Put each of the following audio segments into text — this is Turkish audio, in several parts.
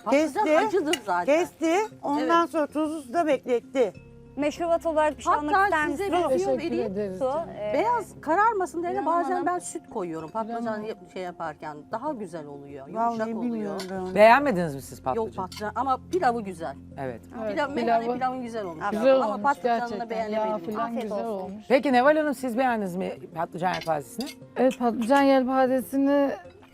Patlıcan Kesti. acıdır zaten. Kesti. Ondan sonra tuzlu da bekletti. Meşrubat olarak bir şey almak Hatta ister size misiniz? bir tüyo Teşekkür vereyim. ederiz. Su, Beyaz kararmasın diye İrem bazen Hanım. ben süt koyuyorum. Patlıcan şey yaparken daha güzel oluyor. Yumuşak Vallahi oluyor. bilmiyorum ben onu. Beğenmediniz mi siz Yok patlıcan? patlıcan ama pilavı güzel. Evet. Pilav, meyhane pilavın güzel olmuş. Güzel ama olmuş patlıcanını gerçekten. Yağ beğenemedim. falan Afiyet güzel olsun. olmuş. Peki Neval Hanım siz beğendiniz mi patlıcan yelpazesini? Evet, patlıcan yelpazesini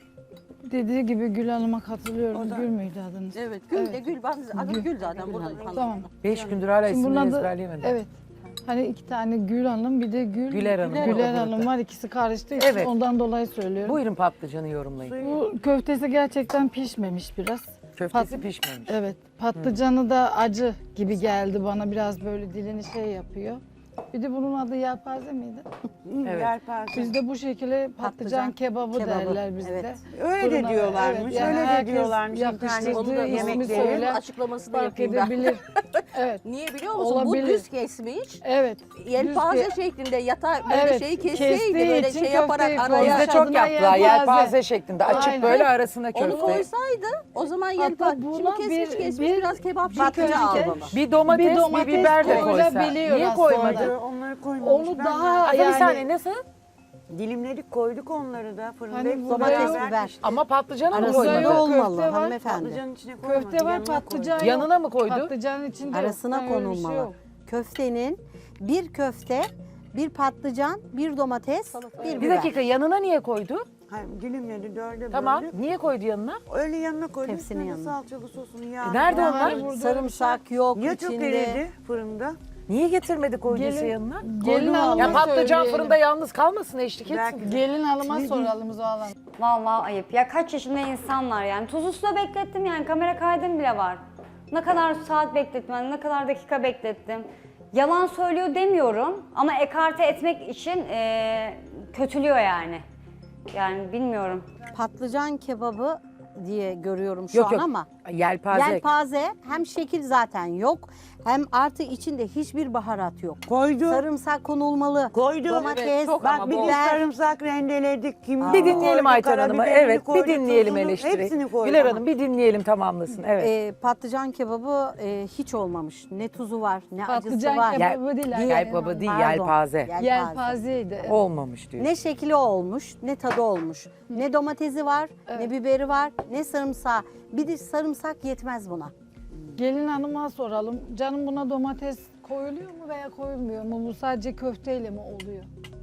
dediği gibi Gül Hanım'a katılıyorum. Gül müydü adınız? Evet, Gül de Gül. Adı Gül zaten burada. Tamam. 5 gündür hala Şimdi isimleri bunun adı- ezberleyemedim. Evet. Hani iki tane Gül Hanım, bir de Güler Hanım. Güler Hanım var. İkisi karıştı. İşte Evet. ondan dolayı söylüyorum. Buyurun patlıcanı yorumlayın. Bu köftesi gerçekten pişmemiş biraz. Köftesi pişmemiş. Evet. Patlıcanı da acı gibi geldi bana. Biraz böyle dilini şey yapıyor. Bir de bunun adı yelpaze miydi? Evet. Yelpaze. Bizde bu şekilde patlıcan kebabı derler bizde. Evet. Öyle de Fırına- diyorlarmış. evet, yani öyle de herkes diyorlarmış. yakıştırdığı Onu da ismi yemekleri. söyle. açıklamasını Fark yapayım ben. edebilir. Evet. Niye biliyor musun? Olabilir. Bu düz kesmiş. Evet. Yelpaze Düz şeklinde yatağı böyle Evet, şeyi kestiği kesseydi böyle için şey yaparak köfteyi araya. Bizde çok Adına yaptılar yelpaze şeklinde. Açık Aynen. böyle arasına Onu köfte. koysaydı o zaman Hatta yelpaze. buna Şimdi kesmiş bir- biraz kebap bir şeklinde köfte- almalı. Bir domates, bir domates biber de koysa. koyulabiliyor Niye aslında. koymadı? Onları koymamış. Onu Ben daha Aslında bir yani saniye nasıl? dilimledik koyduk onları da fırında. Hani hepsini domates, beraber biber. pişti. Ama patlıcana mı Arasında koymadı? köfte olmalı var, hanımefendi. Patlıcanın içine koymadı. köfte var, yanına patlıcan koydu. yok. Yanına mı koydu? Patlıcanın içinde Arasına yok. Öyle bir şey konulmalı. yok. Köftenin bir köfte, bir patlıcan, bir domates, bir Bir biber. dakika yanına niye koydu? Hayır, dilimledi dörde Tamam. böldük. Niye koydu yanına? Öyle yanına koyduk. Tepsinin Sonra yanına. salçalı sosunu yağ. Nerede Yani onlar? burada Sarımsak yok Ya çok içinde. eridi fırında. Niye getirmedi koyduysa Gelin- yanına? Gelin hanıma Ya patlıcan söyleyelim. fırında yalnız kalmasın eşlik etsin. Belki- Gelin hanıma soralım Zuhal Hanım. Vallahi ayıp. Ya kaç yaşında insanlar yani. Tuzlu suda beklettim yani. Kamera kaydım bile var. Ne kadar saat beklettim, yani ne kadar dakika beklettim. Yalan söylüyor demiyorum ama ekarte etmek için kötülüyor yani. Yani bilmiyorum. Patlıcan kebabı diye görüyorum şu Yok an yok. ama Yelpaze. yelpaze hem şekil zaten yok hem artı içinde hiçbir baharat yok. Koydu. Sarımsak konulmalı. Koydu. Domates, Evet, çok Bak ama bir de biber. sarımsak rendeledik. Kimyon Bir dinleyelim koydu, Ayten Hanım'ı. karabiberini Evet bir koydu, dinleyelim tuzunu, eleştiri. Hepsini koydu. Güler Hanım bir dinleyelim tamamlasın. Evet. Patlıcan kebabı hiç olmamış. Ne tuzu var, ne acısı Patlıcan var. kebabı değil. Yelpazı değil Pardon. yelpaze. Yelpazeydi. Evet. Olmamış diyor. Ne şekli olmuş, ne tadı olmuş. Ne domatesi var, ne biberi var, ne sarımsağı. Bir de sarımsak yetmez buna. Gelin hanıma soralım. Canım buna domates koyuluyor mu veya koyulmuyor mu? Bu sadece köfteyle mi oluyor?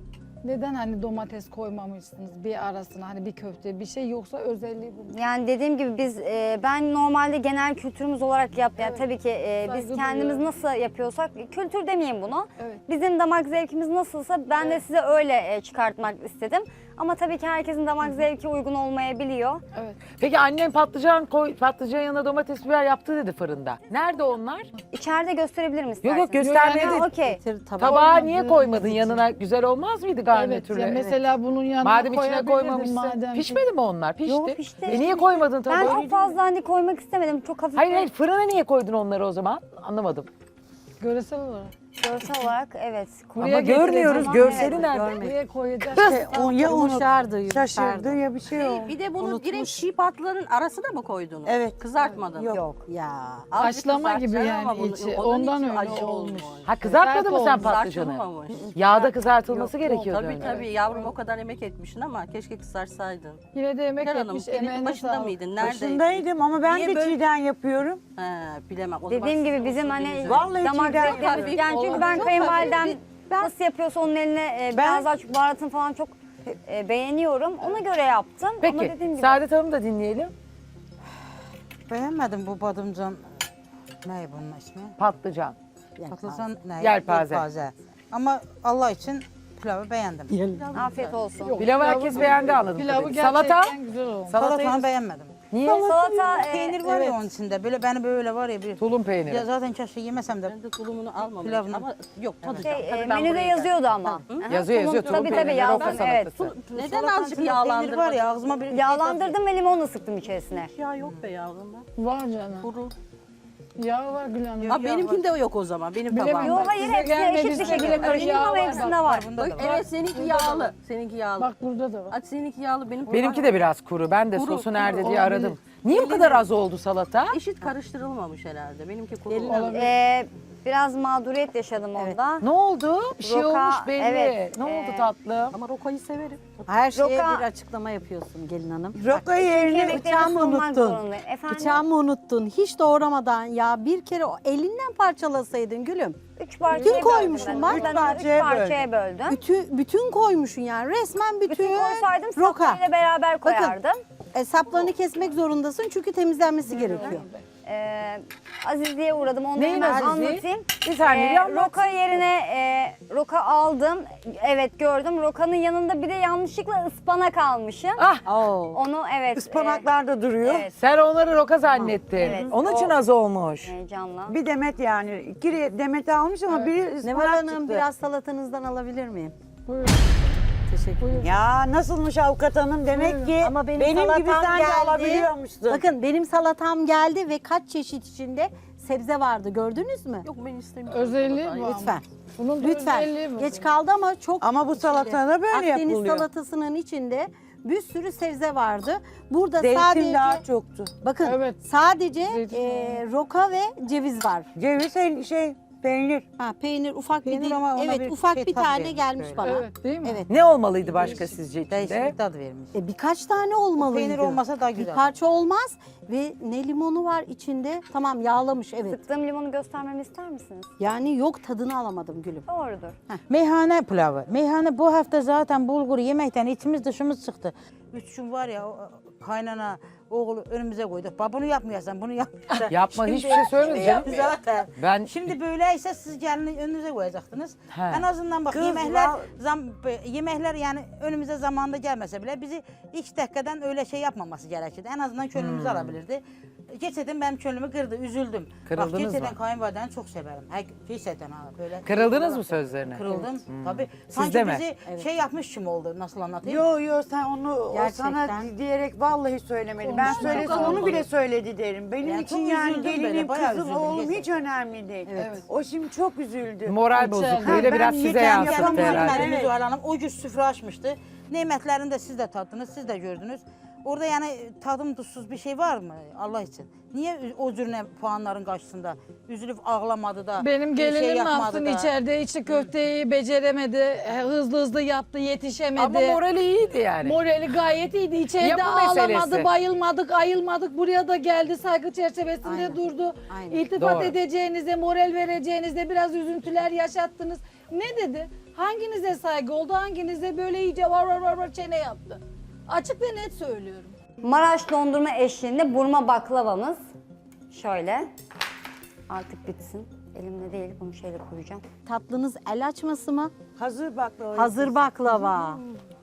Neden hani domates koymamışsınız bir arasına hani bir köfte bir şey yoksa özelliği bu mu? Yani dediğim gibi biz ben normalde genel kültürümüz olarak yani tabii ki biz Saygı kendimiz duyuyorum. nasıl yapıyorsak kültür demeyeyim bunu. Evet. Bizim damak zevkimiz nasılsa ben de size öyle çıkartmak istedim. Ama tabii ki herkesin damak zevki uygun olmayabiliyor. Evet. Peki annen patlıcan yanına domates biber yaptı dedi fırında. Nerede onlar? İçeride gösterebilirim Yok isterseniz. yok göstermeye Ha, değil. okey. Getir tabağa. Tabağa niye Olmadığımız koymadın için. yanına? Güzel olmaz mıydı Evet. garnitürle? Ya mesela bunun yanına Madem içine koyabilirdin koymamışsın. madem ki. Pişmedi mi onlar? Pişti. Yok, pişti. Niye koymadın Ben tabağa? çok fazla hani koymak istemedim. Çok hafif Hayır hayır fırına niye koydun onları o zaman? Anlamadım. Görsel olarak. görsel olarak evet. Ama Buraya görmüyoruz. getireceğim. Görseli Evet, nerede? Buraya koyacağız. O ya Yumuşardı, şaşırdı yumuşardı. ya bir şey oldu. Bir de bunu Unutmuş. direkt çiğ patlıların arasına mı koydunuz? Evet. Kızartmadın. Yok. Ya. Azıcık Haşlama gibi kızartacaksın ama yani bunu- içi. onun Ondan içi öyle acı olmuş. Ha kızartmadın mı sen Sert patlıcanı? Kızartılmamış. Yağda kızartılması gerekiyordu. Tabii önce. tabii yavrum o kadar emek etmişsin ama keşke kızarsaydın. Yine de yemek Gel Hanım yapmış. elin Emeğine başında sağlık. mıydın? Neredeydin? Başındaydım ama ben Niye de böyle- çiğden yapıyorum. He, bilemem. O zaman Dediğim gibi sizin bizim usulünüz hani öyle. Vallahi damak çiğden zevklerimiz hafif yani çünkü oldu. ben Çok kayınvalidem hafif nasıl yapıyorsa onun eline biraz daha çok baharatını falan çok beğeniyorum. Ona göre yaptım ama Peki dediğim gibi Saadet Hanım da dinleyelim. Beğenmedim bu badımcan. Ne bunun ismi? Patlıcan. Patlıcan ne? Yelpaze. Ama Allah için pilavı beğendim. afiyet olsun. Pilavı herkes beğendi anladım. Pilavı tabii. gerçekten Salata? güzel olmuş. Salatanı beğenmedim. Niye? Salata Peynir var ya onun içinde. Böyle beni böyle var ya bir. Tulum peyniri. Ya zaten keşke yemesem de. Ben de tulumunu almamıştım Pilavını. ama yok tadacağım. şey, Tabii ben menüde buraya yazıyordu ama. Yazıyor yazıyor. Tulum Tabii, tabii, peyniri, yazdım, roka evet. salatası. Neden Salatanın azıcık içinde peynir var ya ağzıma bir. Yağlandırdım ve limon sıktım içerisine. Ya yok be yavrum. Var canım. Kuru. Yağ var Gül Hanım. Ha benimkinde yok o zaman. Benim Bilemiyorum. tabağımda. Yok hayır Size hepsi gelmedi, eşit bir size şekilde gelmedi. karışık Yağ ama var, hepsinde bak, var. Bunda da var. Evet seninki yağlı. Seninki yağlı. Bak burada da var. Hadi seninki yağlı benim. Benimki de biraz kuru. Ben de Kuru, sosu kuru nerede diye olabilir. aradım. Niye bu kadar az oldu salata? Eşit karıştırılmamış herhalde. Benimki kuru Gelin oldu. hanım. Biraz mağduriyet yaşadım orada. Ne oldu? Bir şey Roka, olmuş belli. evet, Ne oldu tatlım? Ama rokayı severim. Her şeye Roka- bir açıklama yapıyorsun gelin hanım. Roka yerine Yemeklerimi bıçağımı sunmak unuttun. zorundayım. Efendim? Bıçağımı unuttun. Hiç doğramadan ya bir kere o elinden parçalasaydın gülüm. 3 parçaya Bütün böldüm koymuşum ben. bak. Ben Üç onu parçaya üç parçaya böldüm. Bütün koymuşsun yani resmen bütün, Bütün koysaydım roka. saplarıyla beraber Bakın. koyardım. Saplarını kesmek zorundasın çünkü temizlenmesi gerekiyor. Azizliğe uğradım. Onu Neyin hemen azizliği? anlatayım. Bir saniye bir anlat. Roka yerine roka aldım. Evet gördüm. Rokanın yanında bir de yanlışlıkla ıspanak almışım. Ah, Oo. Onu evet. ıspanaklar da duruyor. Evet. sen onları roka zannettin. Evet, Onun için o- az olmuş. Heyecanla. Bir demet yani. İki demet almış ama biri Neval ıspanak Hanım çıktı. biraz salatanızdan alabilir miyim? Buyurun. Teşekkür ederim. Ya nasılmış avukat hanım? Demek ki Ama benim benim salatam gibi sen de geldi. alabiliyormuşsun. Bakın benim salatam geldi ve kaç çeşit içinde sebze vardı gördünüz mü? Yok ben istemiyorum. Özelliği salatayı. bu ama. Lütfen. Bunun da Lütfen. özelliği bu. Geç kaldı ama çok Ama bu salatada böyle Akdeniz yapılıyor. salatasının içinde bir sürü sebze vardı. Burada Zeytin sadece daha çoktu. bakın Evet. sadece Zeytin roka ve ceviz var. Ceviz peynir. Ha, peynir ufak Peynir bir ama ona evet bir ufak şey bir tat tane vermiş gelmiş böyle. bana. Evet değil mi? Evet. Ne olmalıydı başka sizce Değişik içinde? bir tat vermiş. Birkaç tane olmalıydı. Peynir olmasa daha Bir güzel. parça olmaz ve ne limonu var içinde. Tamam yağlamış evet. Sıktığım limonu göstermemi ister misiniz? Yani yok tadını alamadım gülüm. Doğrudur. Meyhane pilavı. Meyhane bu hafta zaten bulgur yemekten içimiz dışımız çıktı. 3 gün var ya kaynana oğlu önümüze koyduk. Bak bunu yapmayasan, bunu yapmayasan. Yapma, hiçbir şey söylemedi canım. Yaptı zaten. Ben- Şimdi böyleyse siz gelin önünüze koyacaktınız. He. En azından bak Kız, yemekler yani önümüze zamanında gelmese bile bizi ilk dakikadan öyle şey yapmaması gerekirdi. En azından könlümüzü alabilirdi. Gerçekten benim könlümü kırdı, üzüldüm. Kırıldınız bak gerçekten mı? kayınvalideni çok severim. Gerçekten ha böyle. Kırıldınız mı sözlerine? Kırıldım tabii. Siz Sanki de mi? bizi şey yapmış gibi oldu, nasıl anlatayım? Yo sen onu o Gerçekten. sana diyerek vallahi söylemedi. Ben söylese onu bile söyledi derim. Benim Yani için çok yani üzüldüm gelinim, böyle, bayağı kızım, üzüldüm oğlum gerçekten. hiç önemli değil. Evet. O şimdi çok üzüldü. Moral İçeride. bozukluğuyla Ha, biraz ben size yeter yansıttı yapamıyorum. herhalde. Gelmediniz Evet. Zuhal Hanım. O gün süfre açmıştı. Nimetlerini de siz de tattınız, siz de gördünüz. Orada yani tadım tuzsuz bir şey var mı Allah için? Niye o cürne puanların karşısında üzülüp ağlamadı da Benim bir gelinim şey ne yapmadı yapsın da? içeride içi köfteyi beceremedi. Hızlı hızlı yaptı yetişemedi. Ama morali iyiydi yani. Morali gayet iyiydi. İçeride Yapı ağlamadı, meselesi. bayılmadık, ayılmadık. Buraya da geldi saygı çerçevesinde Aynen. durdu. Aynen. İltifat Doğru. edeceğinize, moral vereceğinize biraz üzüntüler yaşattınız. Ne dedi? Hanginize saygı oldu? Hanginize böyle iyice var çene yaptı? Açık ve net söylüyorum. Maraş dondurma eşliğinde burma baklavamız. Şöyle. Artık bitsin. Elimde değil, bunu şöyle koyacağım. Tatlınız el açması mı? Hazır baklava. Hazır baklava.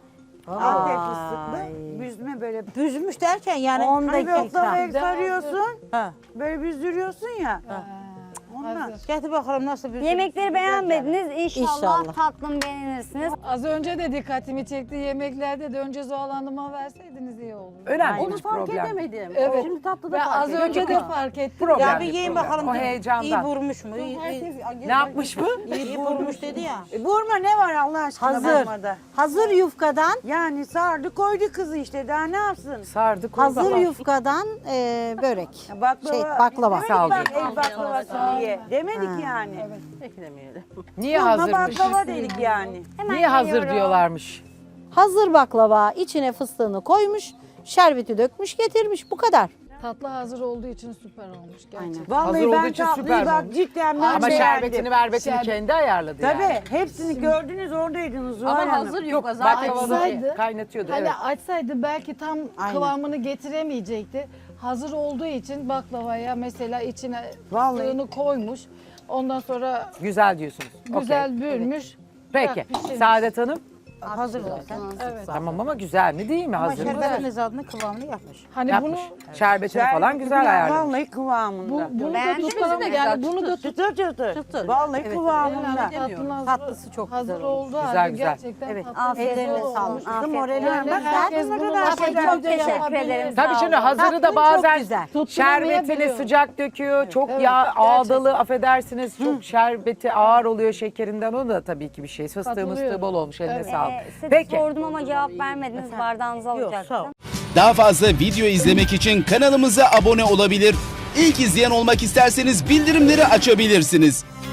Antep fıstıklı. Büzme böyle. Büzmüş derken yani 10 Hani dakika. baklavayı sarıyorsun. Ha. Böyle büzdürüyorsun ya. Ondan. Getir bakalım nasıl büzmüş. Yemekleri beğenmediniz. İnşallah, İnşallah. tatlım beğenirsiniz. Az önce de dikkatimi çekti yemeklerde de önce Zuhal Hanım'a verseydiniz iyi olur. Önemli Onu bir fark problem. edemedim. Evet. Şimdi tatlıda Ben fark az ettim. önce de fark ettim. Problem. Ya bir yiyin bakalım. O heyecandan. İyi vurmuş mu? Ne yapmış mı? İyi vurmuş dedi ya. Vurma ne var Allah aşkına Hazır. vurmada? Hazır yufkadan Yani sardı koydu kızı işte daha ne yapsın? Sardı koydu. hazır yufkadan börek. Baklava. Demedik Sağ ol bak canım. el baklavası diye. Demedik yani. Beklemeyelim. Niye Vurma hazırmış? baklava dedik yani. Hemen Niye hazır geliyorum. diyorlarmış? Hazır baklava içine fıstığını koymuş, şerbeti dökmüş, getirmiş. Bu kadar. Tatlı hazır olduğu için süper olmuş gerçekten. Vallahi Hazır olduğu ben için tatlıyı süper bak olmuş. cidden ben Ama beğendim. şerbetini verbetini Şerbet- kendi ayarladı Tabii yani. hepsini gördünüz oradaydınız Zuhal Ama Hanım. hazır Yok yok zaten. baklavada Açsaydı- kaynatıyordu Hani evet. açsaydı belki tam Aynen. kıvamını getiremeyecekti. Hazır olduğu için baklavaya mesela içine Vallahi. fıstığını koymuş. Ondan sonra Güzel diyorsunuz. güzel Okey. bürmüş. Peki. pişirmiş. Saadet Hanım. Hazır zaten. Evet. Tamam ama güzel mi değil mi Ama hazır? şerbetiniz adını kıvamını yapmış. Hani Yapmış. bunu Şerbetini falan güzel ayarlamış. Vallahi kıvamında. bunu da Beğendiniz tutalım mi? yani bunu da Çıtır çıtır. Çıtır. Vallahi Evet. kıvamında. Tatlısı çok hazır güzel olmuş. oldu Güzel, halde güzel. gerçekten Evet. tatlı Afiyet güzel Ellerine olsun. olmuş. sağlık. Afiyet Morali olsun. Yani Bak, herkes ne bunu kadar nasıl güzel. çok Çok teşekkür ederim. Tabii Sağ şimdi olun. hazırı da Tatlın bazen çok güzel. şerbetini Tutturamayabiliyor. sıcak döküyor. Çok Evet, yağ gerçekten. ağdalı affedersiniz. Çok şerbeti ağır oluyor şekerinden. O da tabii ki bir şey. Fıstığı Katılıyorum. mıstığı bol olmuş eline Evet. sağlık. Size Peki. sordum ama cevap vermediniz. Bardağınızı Yok sağ ol. alacaktım. Daha fazla video izlemek için kanalımıza abone olabilir. İlk izleyen olmak isterseniz bildirimleri açabilirsiniz.